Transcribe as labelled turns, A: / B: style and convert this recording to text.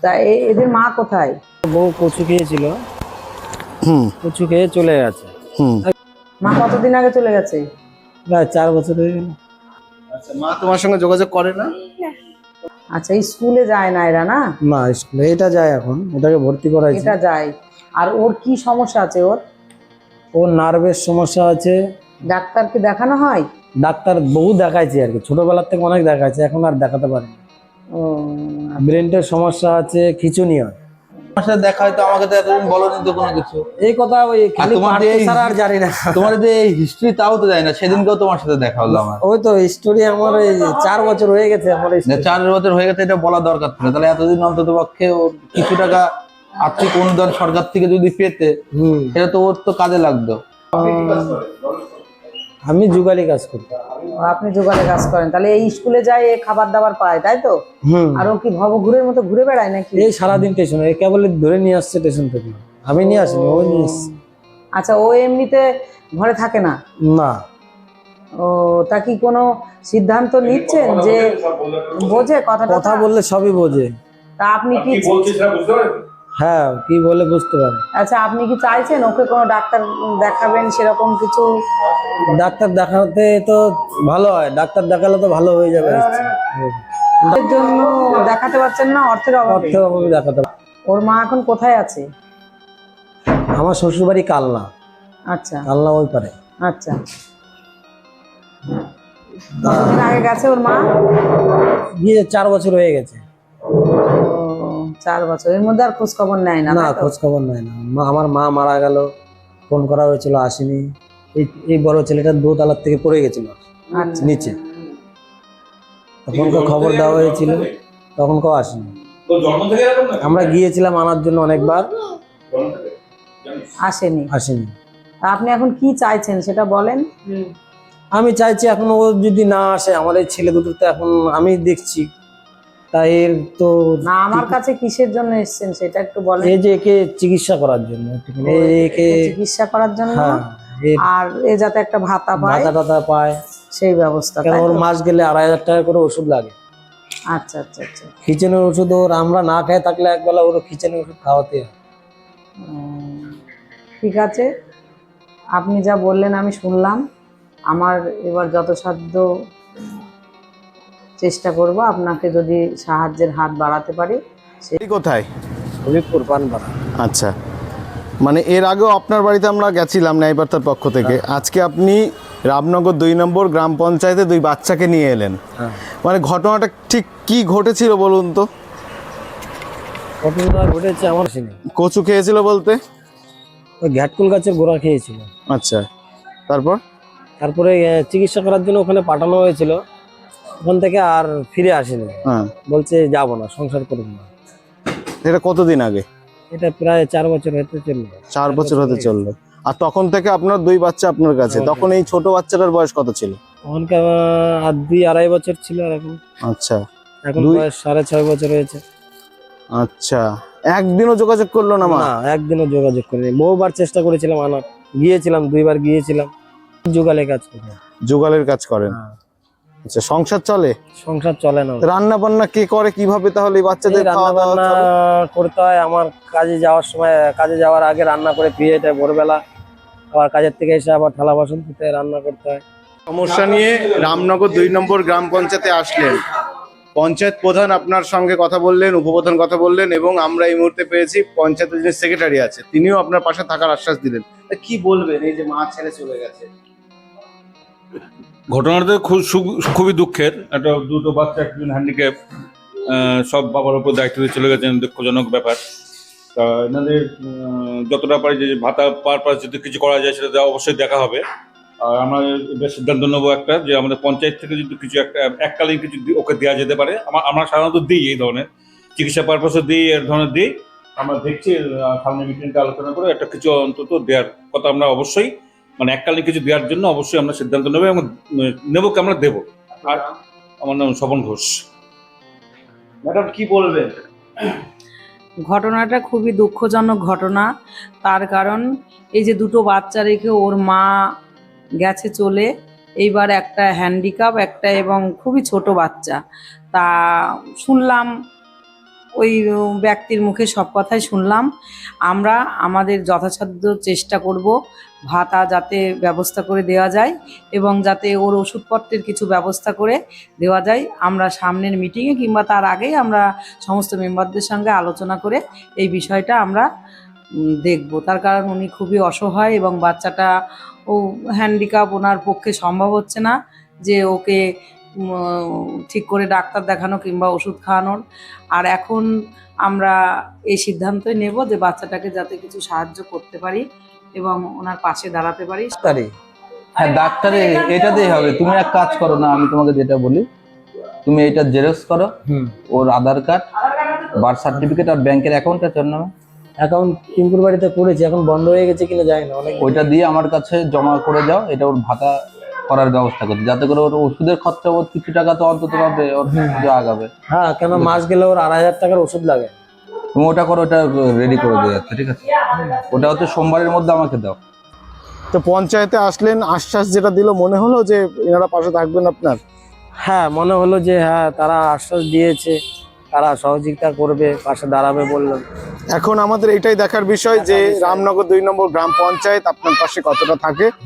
A: তা এদের মা কোথায়?
B: বউ কচু খেয়েছিল, কচু খেয়ে চলে গেছে।
A: মা কতদিন আগে চলে গেছে?
B: প্রায় 4 বছর হয়ে গেল।
C: আচ্ছা, মা তোমার সঙ্গে যোগাযোগ করে না?
A: আচ্ছা, স্কুলে যায় না এরা? না
B: না, স্কুলে এটা যায়, এখন এটাকে ভর্তি করাইছে।
A: এটা যায়। আর ওর কি সমস্যা আছে?
B: ওর নার্ভের সমস্যা আছে।
A: ডাক্তারকে দেখানো হয়?
B: ডাক্তার বহু দেখাইছে আর কি, ছোটবেলার থেকে অনেক দেখাইছে, এখন আর দেখাতে পারি না।
A: ও
B: ব্রেনের সমস্যা আছে, খিঁচুনি হয়।
C: তোমার সাথে দেখা হয়তো, আমাকে তো এতদিন বলোনি তো কোনো কিছু।
B: এই কথা ওই খালি পাঠকে ছাড়া আর জানি না।
C: তোমার যে এই হিস্ট্রি তাও তো জানি না। সেদিনকেও তোমার সাথে দেখা হলো আমার।
B: ওই তো স্টোরি আমার এই 4 বছর হয়ে গেছে আমার।
C: 4 বছর হয়ে গেছে, এটা বলা দরকার ছিল। তাহলে এতদিন অন্তত পক্ষে ও কিছু টাকা আর্থিক অনুদান সরকার থেকে যদি পেতে, সেটা তো ওর তো কাজে লাগতো।
B: আমি যুগালি কাজ করি।
A: আপনি যোগালে কাজ করেন, তাহলে এই স্কুলে যায়, এ খাবার দাবার পায়, তাই তো? আর ও কি ভবঘুরের মতো ঘুরে বেড়ায় নাকি?
B: এই সারাদিন স্টেশনে, কেবল ধরে নিয়ে আসছে স্টেশন থেকে, আমি নিয়ে আসিনি, ও নিয়ে আসছে।
A: আচ্ছা, ও এমনিতে ঘরে থাকে না?
B: না।
A: ও তা কি কোনো সিদ্ধান্ত নিচ্ছেন যে বোঝে
B: কথা বললে সবই বোঝে।
A: তা আপনি কি
B: হ্যাঁ, কি বলে বুঝতে পারে।
A: আচ্ছা, আপনি কি চাইছেন ওকে কোনো ডাক্তার দেখাবেন সেরকম কিছু?
B: ডাক্তার দেখাতে তো ভালো হয়, ডাক্তার দেখালে তো ভালো হয়ে যাবে।
A: এর জন্য দেখাতে পারছেন না অর্থের অভাবে?
B: অর্থের অভাবে দেখাতে।
A: ওর মা এখন কোথায় আছে?
B: আমার শ্বশুর বাড়ি কালনা।
A: আচ্ছা
B: কালনা ওই পারে।
A: আচ্ছা, কতদিন আগে গেছে ওর মা?
B: গিয়ে 4 বছর হয়ে গেছে।
A: ও 4 বছর, এর মধ্যে আর খোঁজ খবর নেয় না?
B: না, খোঁজ খবর নেয় না। আমার মা মারা গেল, ফোন করা হয়েছিল, আসেনি। এই বড় ছেলেটা 2 তলার থেকে পড়ে গেছিল নিচে, তখন খবর দেওয়া হয়েছিল, তখন কেউ আসেনি। আমরা গিয়েছিলাম আনার জন্য অনেকবার,
A: আসেনি। তা আপনি এখন কি চাইছেন সেটা বলেন।
B: আমি চাইছি এখন ও যদি না আসে, আমার এই ছেলে দুটো তো এখন আমি দেখছি, তাই এর তো
A: না, আমার কাছে কিসের জন্য এসেছেন সেটা একটু বলেন।
B: এই যে একে চিকিৎসা করার জন্য, একে
A: চিকিৎসা করার জন্য,
B: হ্যাঁ,
A: আর এ যাতে একটা ভাতা
B: পায়
A: সেই ব্যবস্থা।
B: কেন ওর মাস গেলে 2,500 টাকা করে ওষুধ লাগে।
A: আচ্ছা আচ্ছা আচ্ছা।
B: খিচেনের ওষুধ ওর আমরা না খেয়ে থাকলে একবেলা ওর খিচেনের ওষুধ খাওয়াতে হয়।
A: ঠিক আছে, আপনি যা বললেন আমি শুনলাম। আমার এবার যথাসাধ্য চেষ্টা করব আপনাকে যদি সাহায্যের হাত বাড়াতে পারি।
C: কোথায়?
B: হবিবপুর পানপাড়া।
C: আচ্ছা, মানে এর আগেও আপনার বাড়িতে আমরা গেছিলাম ন্যায়বার্তার পক্ষ থেকে। আজকে আপনি রামনগর 2 নম্বর গ্রাম পঞ্চায়েতে 2 বাচ্চাকে নিয়ে এলেন। মানে ঘটনাটা ঠিক কি ঘটেছিল বলুন তো?
B: ঘটনা ঘটেছে আমার সিনে।
C: কচু খেয়েছিল বলতে?
B: ওই ঘ্যাটকুল গাছের গোড়া খেয়েছিল।
C: আচ্ছা, তারপরে
B: চিকিৎসা করার জন্য ওখানে পাঠানো হয়েছিল, ওখান থেকে আর ফিরে আসেনি। বলছে যাব না, সংসার করব না।
C: এটা কতদিন আগে?
B: এটা প্রায় 4 বছর হতে চললো।
C: 4 বছর হতে চললো। আর তখন থেকে আপনার 2 বাচ্চা আপনার কাছে। তখন এই ছোট বাচ্চাটার বয়স কত ছিল?
B: তখনকার আর 2-2.5 বছর ছিল। আর এখন?
C: আচ্ছা,
B: এখন বয়স 6.5 বছর হয়েছে।
C: আচ্ছা, একদিনও যোগাযোগ করলো না মা?
B: না, একদিনও যোগাযোগ করিনি। বহুবার চেষ্টা করেছিলাম আনার, গিয়েছিলাম 2বার গিয়েছিলাম। জোগালের কাজ করি।
C: জোগালের কাজ করেন? আচ্ছা, সংসার চলে?
B: সংসার চলে না।
C: রান্না বান্না কে করে, কিভাবে তাহলে বাচ্চাদের
B: রান্না বান্না করতে হয় আমার। কাজে যাওয়ার সময়, কাজে যাওয়ার আগে রান্না করে ফিরে যেতে হয় ভোরবেলা, আবার কাজের থেকে এসে আবার থালা বাসন ধুতে রান্না করতে হয়।
C: সমস্যা নিয়ে রামনগর 2 নম্বর গ্রাম পঞ্চায়েতে আসলেন, পঞ্চায়েত প্রধান আপনার সঙ্গে কথা বললেন, উপপ্রধান কথা বললেন, এবং আমরা এই মুহূর্তে পেয়েছি পঞ্চায়েতের যে সেক্রেটারি আছে তিনিও আপনার পাশে থাকার আশ্বাস দিলেন। কি বলবেন এই যে মা ছেড়ে চলে গেছে?
D: ঘটনাটা খুবই দুঃখের। একটা 2টো বাচ্চা, একজন হ্যান্ডিক্যাপ, সব বাবার উপর দায়িত্ব দিয়ে চলে গেছেন। দুঃখজনক ব্যাপার। তা এনাদের যতটা পারি যে ভাতা পারপাস যদি কিছু করা যায় সেটা অবশ্যই দেখা হবে। আর আমরা এবার সিদ্ধান্ত নেবো একটা, যে আমাদের পঞ্চায়েত থেকে যদি কিছু একটা এককালীন কিছু ওকে দেওয়া যেতে পারে। আমরা সাধারণত দিই এই ধরনের চিকিৎসা পারপাসও দিই, এর ধরনের দিই। আমরা দেখছি সামনে মিটিংটা আলোচনা করে একটা কিছু অন্তত দেওয়ার কথা আমরা অবশ্যই, মানে এককালীন কিছু দেওয়ার জন্য অবশ্যই আমরা সিদ্ধান্ত নেবো, এবং নেবো কি আমরা দেবো। আর আমার নাম স্বপন ঘোষ।
C: ম্যাডাম কি বলবেন?
A: ঘটনাটা খুবই দুঃখজনক ঘটনা। তার কারণ এই যে 2টো বাচ্চা রেখে ওর মা গেছে চলে, এইবার একটা হ্যান্ডিক্যাপ, একটা এবং খুবই ছোট বাচ্চা। তা শুনলাম ওই ব্যক্তির মুখে সব কথাই শুনলাম। আমরা আমাদের যথাসাধ্য চেষ্টা করব ভাতা যাতে ব্যবস্থা করে দেওয়া যায় এবং যাতে ওর ওষুধপত্রের কিছু ব্যবস্থা করে দেওয়া যায়। আমরা সামনের মিটিংয়ে কিংবা তার আগেই আমরা সমস্ত মেম্বারদের সঙ্গে আলোচনা করে এই বিষয়টা আমরা দেখব। তার কারণ উনি খুবই অসহায় এবং বাচ্চাটা ও হ্যান্ডিক্যাপ, ওনার পক্ষে সম্ভব হচ্ছে না যে ওকে ঠিক করে ডাক্তার দেখানো কিংবা ওষুধ খাওয়ানোর। আর এখন আমরা এই সিদ্ধান্তই নেব যে বাচ্চাটাকে যাতে কিছু সাহায্য করতে পারি এবং ওনার পাশে দাঁড়াতে পারি।
B: তারই
E: হ্যাঁ ডাক্তারে এটাতেই হবে। তুমি এক কাজ করো না, আমি তোমাকে যেটা বলি, তুমি এটা জেরক্স করো, ওর আধার কার্ড, বার্থ সার্টিফিকেট আর ব্যাংকের অ্যাকাউন্ট আছে ওর নামে।
B: অ্যাকাউন্ট টিঙ্কুর বাড়িতে করেছি, এখন বন্ধ হয়ে গেছে কিনা জানি না। অনেক
E: ওইটা দিয়ে আমার কাছে জমা করে যাও, এটা ওর ভাতা করার ব্যবস্থা করতে, যাতে করে ওর ওষুধের খরচা ওর কিছু টাকা তো অন্তত পাবে, ওর পুজো আগাবে।
B: হ্যাঁ, কেন মাস গেলে ওর 2,500 টাকার ওষুধ লাগে।
E: তুমি ওটা করো, ওটা রেডি করে দিয়ে যাচ্ছে, ঠিক আছে? ওটা হচ্ছে সোমবারের মধ্যে আমাকে দাও।
C: তো পঞ্চায়েতে আসলেন, আশ্বাস যেটা দিল, মনে হলো যে এনারা পাশে থাকবেন আপনার?
B: হ্যাঁ, মনে হলো যে হ্যাঁ তারা আশ্বাস দিয়েছে, তারা সহযোগিতা করবে, পাশে দাঁড়াবে বললেন।
C: এখন আমাদের এটাই দেখার বিষয় যে রামনগর 2 নম্বর গ্রাম পঞ্চায়েত আপনার পাশে কতটা থাকে।